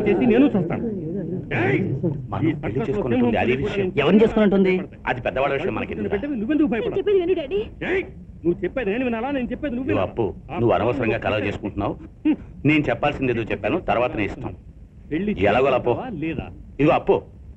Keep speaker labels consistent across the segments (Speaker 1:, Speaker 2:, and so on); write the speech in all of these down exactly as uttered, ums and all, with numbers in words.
Speaker 1: చేసి నేను చూస్తాను.
Speaker 2: ఎవరిని చేసుకున్నట్టుంది?
Speaker 3: అది పెద్దవాళ్ళ విషయం మనకి.
Speaker 1: నువ్వెందుకు భయపడ? నువ్వు చెప్పేది నేను వినాలా? నేను చెప్పేది నువ్వు.
Speaker 3: అప్పు, నువ్వు అనవసరంగా కలవ చేసుకుంటున్నావు. నేను చెప్పాల్సింది ఏదో చెప్పాను, తర్వాత నీ ఇష్టం. ఎలాగో అప్పు
Speaker 1: లేదా?
Speaker 3: ఇదిగో అప్పు,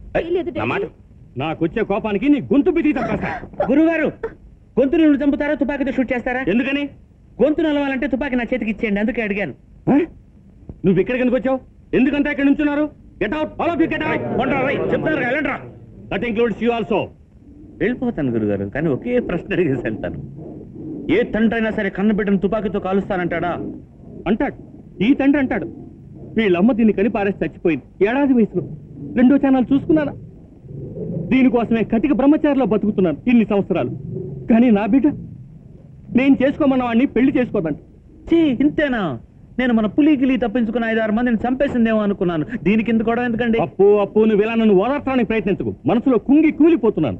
Speaker 1: నాకొచ్చే కోపానికి నీ గొంతు బిగి తప్పేస్తా.
Speaker 2: గురుగారు, గొంతుని నువ్వు చంపుతారా, తుపాకీతో షూట్ చేస్తారా?
Speaker 1: ఎందుకని?
Speaker 2: గొంతు నలవాలంటే తుపాకీ నా చేతికి ఇచ్చేయండి, అందుకే అడిగాను.
Speaker 1: నువ్వు ఇక్కడికి ఎందుకు వచ్చావు? ఎందుకంటే ఇక్కడ నుంచున్నారు? Get out, all of you get out. చెప్తారు వెళ్ళండి. That includes you also.
Speaker 2: వెళ్ళిపోతాను గురుగారు, కానీ ఒకే ప్రశ్న అడిగేసి వెళ్తాను. ఏ తండ్రి అయినా సరే కన్న బిడ్డను తుపాకీతో కాలుస్తానంటాడా?
Speaker 1: అంటాడు. ఈ తండ్రి అంటాడు. వీళ్ళమ్మ దీన్ని కని పారేసి చచ్చిపోయింది ఏడాది వయసులో. రెండో ఛానల్ చూసుకున్నానా? దీనికోసమే కటిక బ్రహ్మచారిలో బతుకుతున్నాను ఇన్ని సంవత్సరాలు. కానీ నా బిడ్డ నేను చేసుకోమన్న వాడిని పెళ్లి చేసుకోదంట.
Speaker 2: చీ, ఇంతేనా? నేను మన పులి గిలి తప్పించుకున్న ఐదారు మందిని చంపేసిందేమో అనుకున్నాను. దీనికి ఎందుకు కూడా ఎందుకండి?
Speaker 1: అప్పు అప్పు నువ్వు ఇలా నన్ను ఓదార్చడానికి ప్రయత్నించకు. మనసులో కుంగి కూలిపోతున్నాను.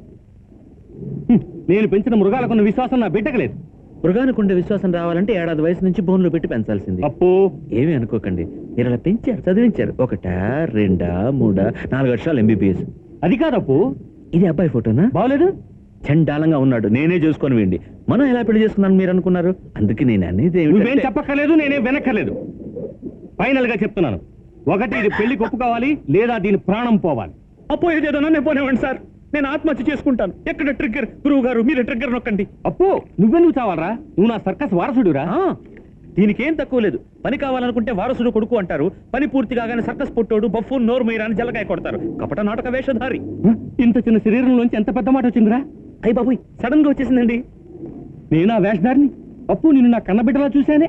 Speaker 1: నేను పెంచిన మృగాలకున్న విశ్వాసం నా బిడ్డకు లేదు.
Speaker 2: మృగానికి ఉండే విశ్వాసం రావాలంటే ఏడాది వయసు నుంచి బోన్లో పెట్టి పెంచాల్సింది.
Speaker 1: అప్పు,
Speaker 2: ఏమీ అనుకోకండి. మీరు అలా పెంచారు, చదివించారు. ఒకటా, రెండా, మూడా, నాలుగు వర్షాలు ఎంబీబీఎస్.
Speaker 1: అది కాదప్పు.
Speaker 2: ఇది అబ్బాయి ఫోటోనా?
Speaker 1: బాగలేదు.
Speaker 2: చండాలంగా ఉన్నాడు. నేనే చేసుకొని వేయండి. మనం ఎలా పెళ్లి చేసుకున్నాను మీరు అనుకున్నారు? అందుకే నేను అనేది
Speaker 1: నువ్వేం చెప్పక్కర్లేదు, నేనేం వెనక్కర్లేదు. ఫైనల్ గా చెప్తున్నాను, ఒకటి ఇది పెళ్లి ఒప్పుకోవాలి, లేదా దీని ప్రాణం పోవాలి.
Speaker 2: అప్పు ఏదేదో నన్ను పోనివ్వండి సార్, నేను ఆత్మహత్య చేసుకుంటాను. ఎక్కడ ట్రిగ్గర్? గురువు గారు మీరే ట్రిగ్గర్ నొక్కండి.
Speaker 1: అప్పు, నువ్వే నువ్వు చావాలరా? నువ్వు నా సర్కస్ వారసుడురా.
Speaker 2: దీనికేం తక్కువ లేదు. పని కావాలనుకుంటే వారసుడు కొడుకు అంటారు. పని పూర్తి కాగానే సర్కస్ పుట్టోడు, బఫూన్, నోరు మీరా అని జలకాయ కొడతారు. కపట నాటక వేషధారి.
Speaker 1: ఇంత చిన్న శరీరంలోంచి ఎంత పెద్ద మాట వచ్చిందిరా?
Speaker 2: అయ్యి బాబు, సడన్ గా వచ్చేసిందండి.
Speaker 1: నేను ఆ వేషధారిని. అప్పు, నిన్ను నా కన్నబిడ్డలా చూశానే.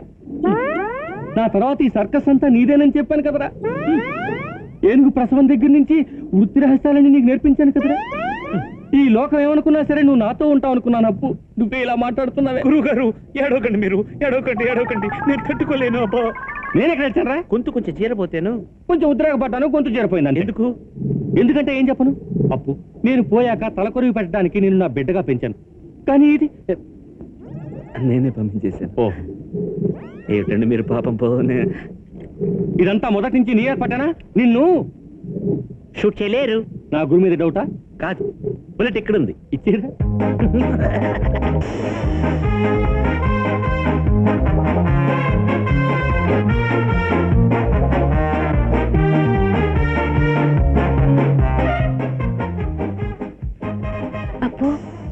Speaker 1: నా తర్వాత ఈ సర్కస్ అంతా నీదేనని చెప్పాను కదరా. ఏనుగు ప్రసవం దగ్గర నుంచి వృత్తి రహస్యాలని నీకు నేర్పించాను కదరా. ఈ లోకం ఏమనుకున్నా సరే నువ్వు నాతో ఉంటావు అనుకున్నాను. అప్పు, నువ్వే ఇలా మాట్లాడుతున్నావే.
Speaker 2: గురువు గారు, ఏడవకండి, మీరు ఏడవకండి, ఏడవకండి. నేను తట్టుకోలేను. అబ్బా,
Speaker 1: నేను ఎక్కడ వచ్చానరా?
Speaker 2: గొంతు కొంచెం చీరపోతేను.
Speaker 1: కొంచెం ఉద్రేకపడ్డాను, గొంతు చేరిపోయిందని.
Speaker 2: ఎందుకు?
Speaker 1: ఎందుకంటే ఏం చెప్పను అప్పు, నేను పోయాక తలకొరివి పెట్టడానికి నేను నా బిడ్డగా పెంచాను. కానీ ఇది
Speaker 2: నేనే పంపించేశాను.
Speaker 1: ఓ
Speaker 2: ఏమిటండి మీరు పాపం పోనే.
Speaker 1: ఇదంతా మొదటి నుంచి నీ ఏర్పడ్డానా? నిన్ను
Speaker 2: షూట్ చేయలేరు.
Speaker 1: నా గురి మీద డౌటా?
Speaker 2: కాదు, బుల్లెట్ ఎక్కడుంది?
Speaker 1: ఇచ్చేదా?
Speaker 4: అప్పు,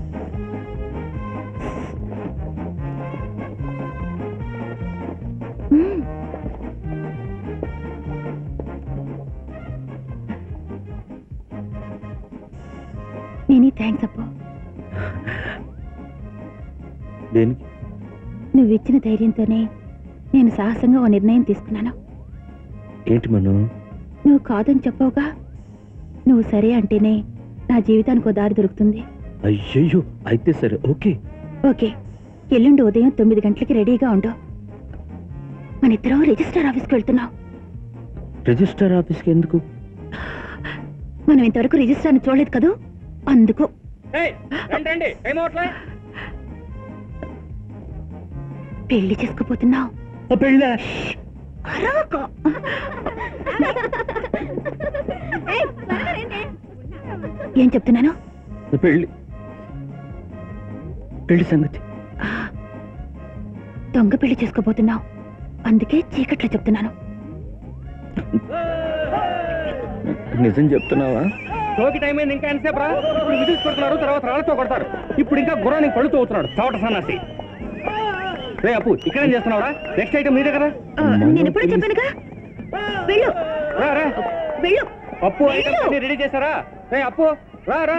Speaker 4: నేనే థ్యాంక్స్ అప్పు.
Speaker 2: దేనికి?
Speaker 4: నువ్వు ఇచ్చిన ధైర్యంతోనే నేను సాహసంగా ఓ నిర్ణయం తీసుకున్నాను.
Speaker 2: ఏంటి మను?
Speaker 4: నువ్వు కాదని చెప్పవుగా. నువ్వు సరే అంటేనే నా జీవితానికి ఓ దారి దొరుకుతుంది.
Speaker 2: అయ్యయ్యో, అయితే సరే, ఓకే
Speaker 4: ఓకే. ఎల్లుండి ఉదయం తొమ్మిది గంటలకి రెడీగా ఉండు. మన ఇద్దరం రిజిస్టర్ ఆఫీస్కి వెళ్తున్నాం.
Speaker 2: రిజిస్టర్ ఆఫీస్కి ఎందుకు?
Speaker 4: మనం ఇంతవరకు రిజిస్టర్ని చూడలేదు కదూ, అందుకు. పెళ్లి చేసుకోపోతున్నావు.
Speaker 2: పెళ్ళ
Speaker 4: ఏం చెప్తున్నాను?
Speaker 2: పెళ్ళి పెళ్లి సంగతి.
Speaker 4: దొంగ పెళ్లి చేసుకోబోతున్నావు, అందుకే చీకట్లో చెప్తున్నాను.
Speaker 2: నిజం చెప్తున్నావా?
Speaker 1: టోకి టైం అయింది, ఇంకా ఎంతసేపు రా? ఇప్పుడు విజిల్స్ కొడుతున్నారు, తర్వాత రాళ్ళతో కొడతారు. ఇప్పుడు ఇంకా గుర్రానికి పళ్ళుతో అవుతున్నాడు చవట సన్నాసి. రే అప్పు, ఇక్కడేం చేస్తున్నావురా? నెక్స్ట్ ఐటమ్ నీ దగ్గర.
Speaker 4: నేను ఎప్పుడూ చెప్పానుగా, వెళ్ళు.
Speaker 1: రా రా
Speaker 4: వెళ్ళు.
Speaker 1: అప్పు, ఐటమ్ రెడీ చేశారా? రే అప్పు, రా రా.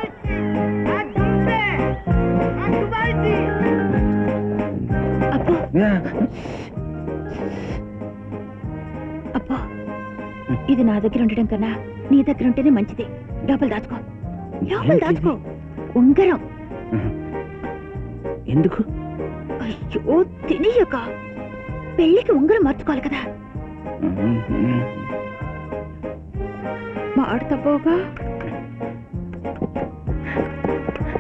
Speaker 4: అప్పు అప్పు, ఇది నా దగ్గర ఉండడం కన్నా నీ దగ్గర ఉంటేనే మంచిది. లోపల దాచుకో, లోపల దాచుకో. ఉంగరం.
Speaker 2: ఎందుకు?
Speaker 4: అయ్యో తెలియక, పెళ్లికి ఉంగరం మార్చుకోవాలి కదా. మాట తప్పవుగా.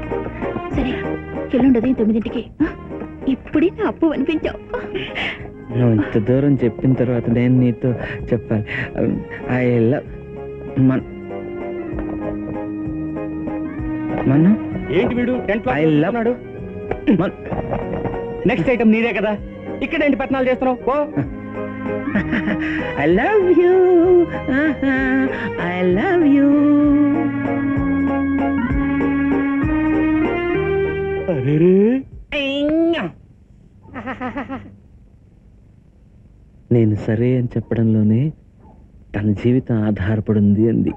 Speaker 4: సరే, ఎల్లుండి ఉదయం తొమ్మిదింటికి. ఇప్పుడే నా అప్పు అనిపించావు.
Speaker 1: నువ్వు ఇంత దూరం చెప్పిన తర్వాత నేను నీతో చెప్పాలి. ఐ లవ్ మన మన్ను
Speaker 2: ఏంటి వీడు tent
Speaker 1: I love
Speaker 2: next item నీదే కదా, ఇక్కడ ఏంటి పట్నాలు చేస్తున్నావు? Oh
Speaker 1: I love you I love you. నేను సరే అని చెప్పడంలోనే తన జీవితం ఆధారపడింది అంది.